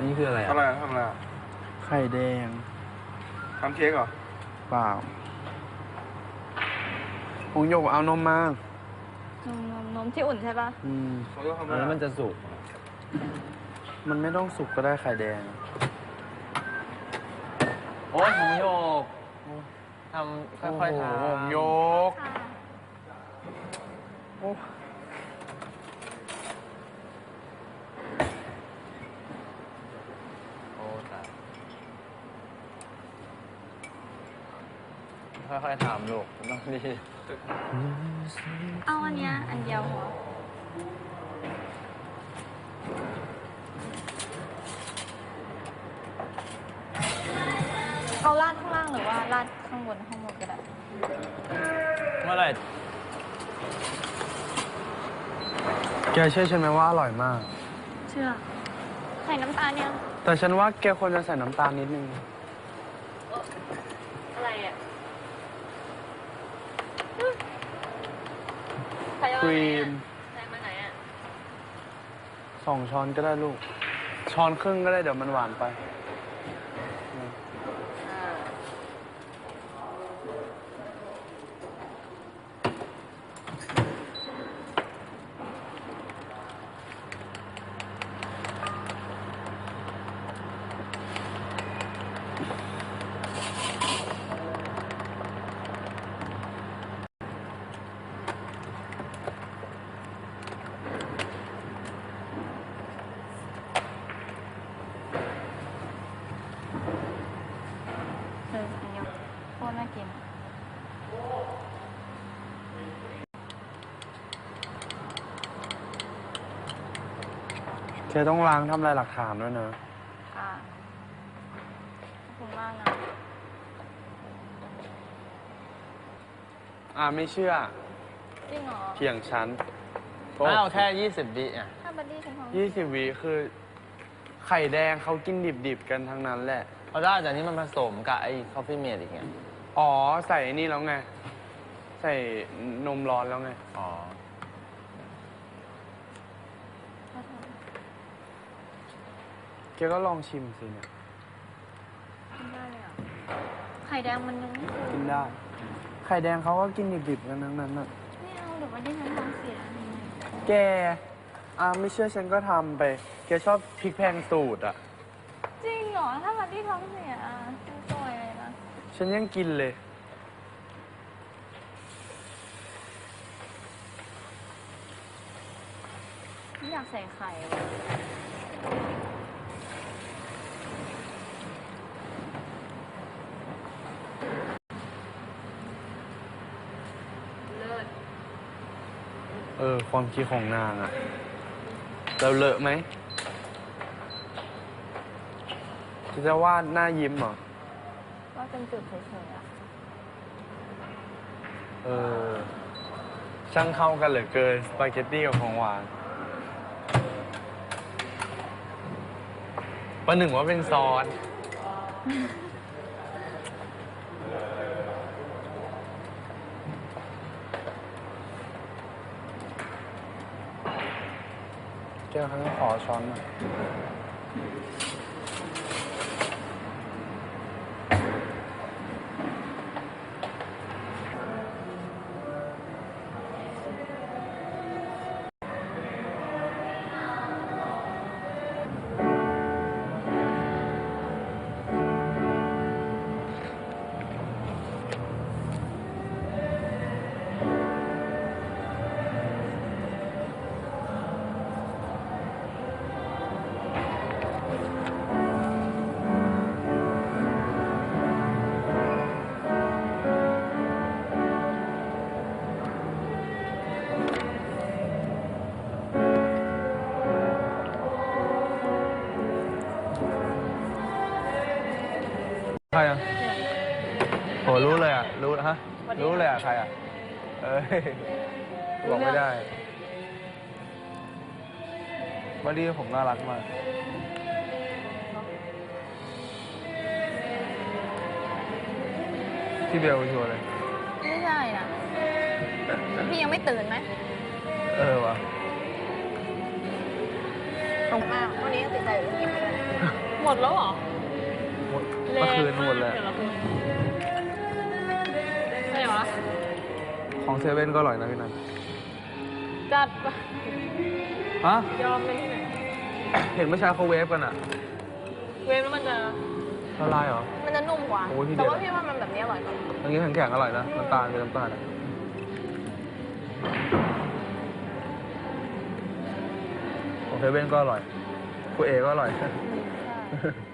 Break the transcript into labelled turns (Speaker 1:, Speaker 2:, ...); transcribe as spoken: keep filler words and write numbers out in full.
Speaker 1: นี่คืออะไรอ่ะ
Speaker 2: อะไรทำอะไร
Speaker 3: ไข่แดง
Speaker 2: ทำเค้กเหรอ
Speaker 3: เปล่าหงหยกเอานมมาน
Speaker 4: มนมนมที่อุ่นใช่ปะ
Speaker 3: อืม
Speaker 2: เขาต้องทำอะไร
Speaker 1: แล้วมันจะสุก
Speaker 3: มันไม่ต้องสุกก็ได้ไข่แดง
Speaker 1: โอ้ยหงโยกทำค่อยๆทำ
Speaker 3: หงโยกโอ้
Speaker 1: โอ้ตายค่อยๆทำลูกต้องดี
Speaker 4: เอาอันเนี้ยอันเดียวหัวเอาราดข้างล่างหรือว่าราดข้างบนข้างบนก็ได้
Speaker 1: เมื่อไหร่
Speaker 3: แกเชื่อฉันไหมว่าอร่อยมาก
Speaker 4: เชื่อใส่น้ำตาลยัง
Speaker 3: แต่ฉันว่าแกควรจะใส่น้ำตาลนิดนึง
Speaker 4: อะไรอ่ะ
Speaker 3: ครีม
Speaker 4: ใส่มาไหนอ่ะ
Speaker 3: สองช้อนก็ได้ลูกช้อนครึ่งก็ได้เดี๋ยวมันหวานไป
Speaker 4: เอออันนี้โคตรน่ากิน
Speaker 3: แกต้องล้างทำลายหลักฐานด้วยนะ
Speaker 4: ค่ะขอบคุณมากนะ
Speaker 3: อ่าไม่เชื่อ
Speaker 4: จริงเหรอ
Speaker 3: เถียงฉัน
Speaker 1: ไม่เอาแค่ยี่สิบวิอ่ะ
Speaker 4: ถ้าบัดดี้ฉันทำ
Speaker 3: ยี่สิบวิคือไข่แดงเขากินดิบๆกันทั้งนั้นแหละ
Speaker 1: เพราะได้แต่นี้มันผสมกับไอ้คอฟฟี่เมดอีกไง
Speaker 3: อ๋อใส่นี่แล้วไงใส่นมร้อนแล้วไง
Speaker 1: อ๋อ
Speaker 3: แกก็ลองชิมสิเนี่ย
Speaker 4: กินได้เลยอ่ะไข่แดงมันยังไม่เคย
Speaker 3: กินได้ไข่แดงเขาก็กินดิบๆกันทั้งนั้นน่ะ
Speaker 4: ไม่เอาเดี๋ยวบัดดี้ฉันท้องเสีย
Speaker 3: แกอ่าไม่เชื่อฉันก็ทำไปแกชอบพริกแพงสูตรอ่ะ
Speaker 4: จริงเหรอถ้าบัดดี้ท้องเสียฉันซวยเลยนะ
Speaker 3: ฉันยังกินเลย
Speaker 4: ไม่อยากใส่ไข่เลยเลิศ
Speaker 3: เออความคิดของนางอ่ะเราเลอะไหมจะวาดหน้ายิ้มเหรอ
Speaker 4: ก็เป็นจุดเฉยๆอ่ะ
Speaker 3: เออช่างเข้ากันเหลือเกินสปาเกตตี้กับของหวานประหนึ่งว่าเป็นซอสแก้วครั้งขอช้อนหน่อยใครอ่ะโหรู้เลยอ่ะรู้ฮะรู้เลยอ่ะใครอ่ะเอ้ยบอกไม่ได้บัดดี้ผมน่ารักมากพี่เบลชัวร์เลย
Speaker 4: ไม่ใช่นะพี่ยังไม่ตื่นไหม
Speaker 3: เออวะ
Speaker 4: ต้องมากวันนี้ก็ติดใจอยู่เรื่องนี้เลย
Speaker 5: หมดแล้วเหรอ
Speaker 3: หมดเมื่อคืนหมดเลย
Speaker 5: แต่ละคนอะไรวะ
Speaker 3: ของเซเว่นก็อร่อยนะพี่นัน
Speaker 5: จัดปะ
Speaker 3: ฮะ
Speaker 5: ยอมเลยที่ไหน
Speaker 3: เห็นเมื่อเช้าเขาเวฟกันอะ
Speaker 5: เวฟแล้วมันจะ
Speaker 3: ละลายเหรอ
Speaker 4: มันจะนุ่มกว่า
Speaker 3: โอ้ยทีเดี
Speaker 4: แต่
Speaker 3: ยว
Speaker 4: ว่าพี่ว่ามันแบบนี้อร่อยกว่า
Speaker 3: อย่างนี้แข็งๆอร่อยนะน้ำตาลเป็นน้ำตาลอะของเซเว่นก็อร่อยคุณเอก็อร่อย
Speaker 4: ใช่